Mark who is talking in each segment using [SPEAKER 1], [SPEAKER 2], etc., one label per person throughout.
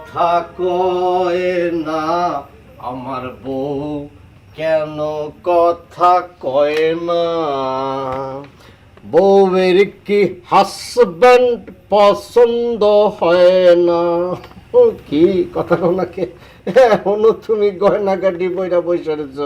[SPEAKER 1] কথা কয় না আমার বউ, কেন কথা কয় না? বউয়ের কি হাজব্যান্ড পছন্দ হয় না? কি কথা কও না কে? এখনো তুমি গয়নাগাটি বইরা বসে রেছ।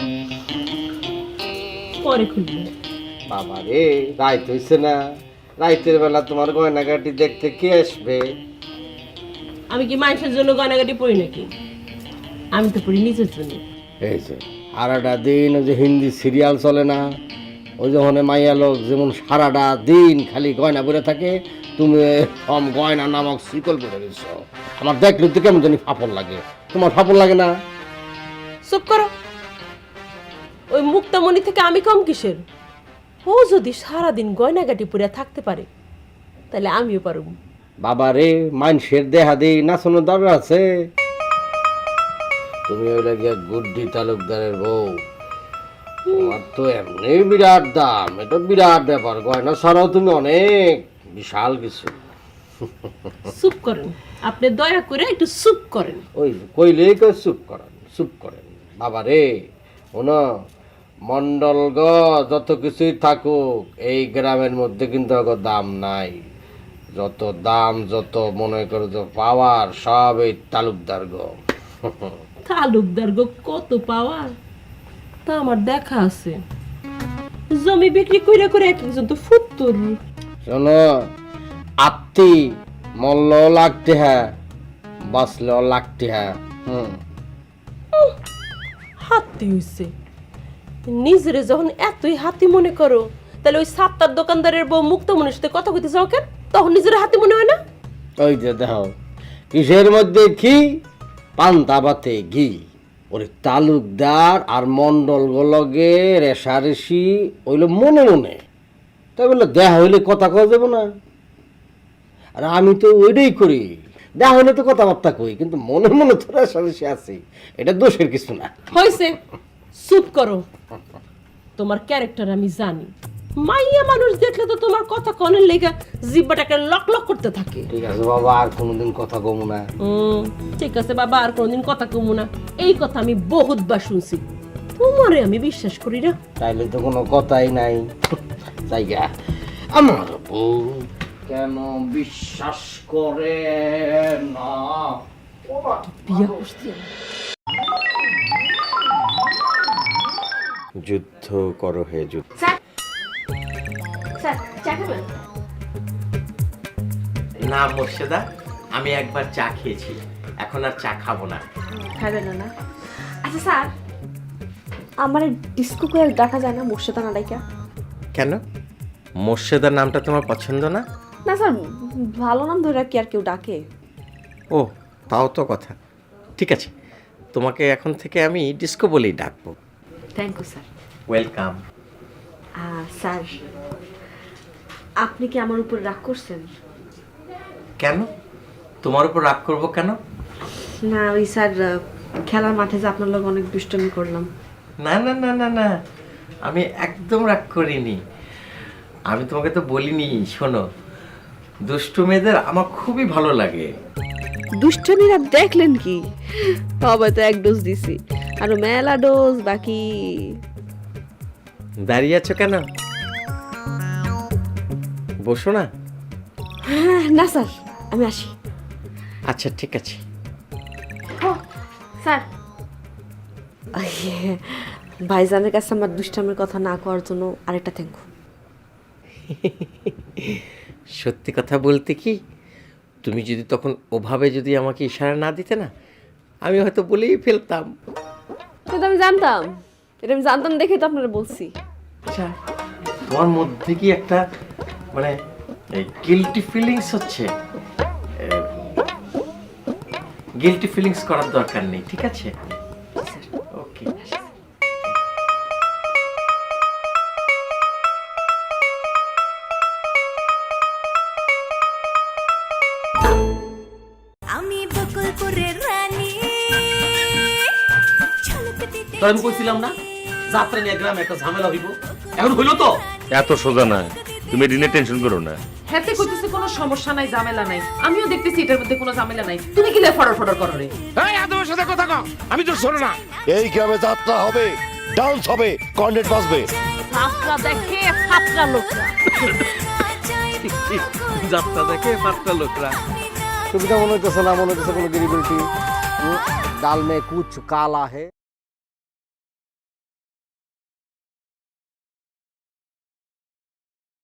[SPEAKER 2] পরে খুলবে।
[SPEAKER 1] বাবা রে, রাইত হইছে না? রাইতের বেলা তোমার গয়নাগাটি দেখতে কে আসবে?
[SPEAKER 2] আমি কি মানুষের জন্য গয়নাগাটি পরি নাকি? আমি তো পরি নিজের জন্য।
[SPEAKER 1] এই যে সারাটা দিন ওই যে হিন্দি সিরিয়াল চলে না, ওই যখন মাইয়া লোক যেমন সারাটা দিন খালি গয়না পরে থাকে, তুমি কম গয়না নামক শিকল পরে দিচ্ছ। আমার দেখলে তো কেমন জানি ফাপড় লাগে। তোমার ফাপড় লাগে না?
[SPEAKER 2] চুপ করো। ওই মুক্তামণি থেকে আমি কম কিসের? ও যদি সারাদিন গয়নাগাটি পরে থাকতে পারে তাহলে আমিও পারব।
[SPEAKER 1] বাবা রে, মানুষের দেহা দেই নাচানোর দরকার আছে? তুমি ওই লাগিয়া গুড্ডি তালুকদারের বউ, তোমার তো এমনি বিরাট দাম, এটা বিরাট ব্যাপার। গয়না ছাড়াও তুমি অনেক বিশাল কিছু।
[SPEAKER 2] চুপ করেন, আপনি দয়া করে একটু চুপ করেন।
[SPEAKER 1] ওই কইলেই কই চুপ করেন, চুপ করেন। বাবা রে, শোনো, মন্ডলগ যত কিছুই থাকুক, এই গ্রামের মধ্যে কিন্তু ওর দাম নাই। যত দাম, যত মনে করো যে পাওয়ার, সব এই তালুকদার গো।
[SPEAKER 2] তালুকদার গো কত পাওয়ার তা আমার দেখা আছে। জমি বিক্রি করে করে এক একজন তো ফুত্তুর।
[SPEAKER 1] শোনো, আত্মি মল্ল লাগতে হ্যাঁ, বাঁচলেও লাগতে হ্যাঁ।
[SPEAKER 2] হাতি হইছে। নিজেরে যখন এতই হাতি মনে করো, তাহলে ওই সাতটার দোকানদারের বউ মুক্তামণির সাথে কথা কইতে যাও কেন? তখন নিজের হাতি মনে হয় না?
[SPEAKER 1] ওই যে দেখো, কিসের মধ্যে কি, পান্তা ভাতে ঘি। ওরে তালুকদার আর মন্ডল লগে রেশারেশি হইলো মনে মনে, তাই বলে দেখা হইলে কথা কওয়া যাবে না? আর আমি তো ওইটাই করি, দেখা হইলে তো কথাবার্তা কই, কিন্তু মনে মনে তো রেশারেশি আছে। এটা দোষের কিছু না।
[SPEAKER 2] হইছে, চুপ করো। তোমার ক্যারেক্টার আমি জানি। মাইয়া মানুষ দেখলে তো তোমার কথা কনের লেগা জিব্বাটাকে লক লক করতে থাকে।
[SPEAKER 1] ঠিক আছে বাবা, আর কোনোদিন কথা কমু না।
[SPEAKER 2] ঠিক আছে বাবা, আর কোনোদিন কথা কমু না। এই কথা আমি বহুতবার শুনছি, তোমারে আমি বিশ্বাস করি না।
[SPEAKER 1] তাইলে তো কোনো কথাই নাই। জায়গা আমার বউ কেন বিশ্বাস করে না?
[SPEAKER 2] বিয়া করছি আমি।
[SPEAKER 1] যুদ্ধ করো হে যুদ্ধ।
[SPEAKER 2] স্যার, চা খাবেন?
[SPEAKER 3] না মোর্শেদা, আমি একবার চা খেয়েছি, এখন আর চা খাবো না।
[SPEAKER 4] খাবেন না? আচ্ছা স্যার, আমার ডিস্কো করে ডাকা যায় না মোর্শেদা না ডাইকা?
[SPEAKER 3] কেন, মোর্শেদা নামটা তোমার পছন্দ না?
[SPEAKER 4] না স্যার, ভালো নাম ধরে কি আর কেউ ডাকে?
[SPEAKER 3] ও, তাও তো কথা। ঠিক আছে, তোমাকে এখন থেকে আমি ডিস্কো বলেই ডাকবো।
[SPEAKER 4] Thank you sir.
[SPEAKER 3] Welcome.
[SPEAKER 4] Sir, আপনি কি আমার উপর রাগ করছেন?
[SPEAKER 3] কেন, তোমার উপর রাগ করবো কেন?
[SPEAKER 4] না ওই স্যার, খেলার মাঠে যে আপনার লোক অনেক দুষ্টমি করলাম।
[SPEAKER 3] না না না না না, আমি একদম রাগ করিনি। আমি তোমাকে তো বলিনি, শোনো, দুষ্টু মেয়েদের আমার খুবই ভালো লাগে।
[SPEAKER 4] দুষ্টমিরা দেখলেন কি? তবে তো এক ডোজ দিছি, আরো মেলা ডোজ বাকি।
[SPEAKER 3] দাঁড়িয়ে আছো কেন, বসো না।
[SPEAKER 4] না স্যার, আমি আসি।
[SPEAKER 3] আচ্ছা ঠিক আছে।
[SPEAKER 4] স্যার, ভাইজানের কাছে আমার দুষ্টামের কথা না করার জন্য আরেকটা থ্যাংক ইউ।
[SPEAKER 3] সত্যি কথা বলতে কি, তুমি যদি তখন ওভাবে যদি আমাকে ইশারা না দিতে না, আমি হয়তো বলেই ফেলতাম।
[SPEAKER 4] কিন্তু আমি জানতাম, এটা আমি জানতাম দেখে তো আপনারা বলছি।
[SPEAKER 3] আচ্ছা, তোমার মধ্যে কি একটা মানে গিল্টি ফিলিংস হচ্ছে? গিল্টি ফিলিংস করার দরকার নেই, ঠিক আছে? ওকে।
[SPEAKER 5] তো আমি কইছিলাম না যাত্রা নিয়ে গ্রামে একটা ঝামেলা হইব, এখন হইলো তো।
[SPEAKER 6] এত সোজা না, তুমি এটা নিয়ে টেনশন করো না। হেতে কইতেছে কোনো সমস্যা নাই, ঝামেলা নাই। আমিও দেখতেছি এটার মধ্যে কোনো ঝামেলা নাই। তুমি কি লে ফড়র ফড়র করো রে?
[SPEAKER 7] এই আদমের সাথে কথা কও, আমি তো শোনো না।
[SPEAKER 8] এই গ্রামে যাত্রা হবে, ডান্স হবে, কর্নেট বাজবে।
[SPEAKER 2] যাত্রা দেখে ফাত্রা লোকরা।
[SPEAKER 3] যাত্রা দেখে পাঁচটা লোকরা।
[SPEAKER 1] সুবিধা মনে হইতেছে না, মনে হইতেছে কোনো গিরিবিলিটি। ডাল মে কুছ কালা হে।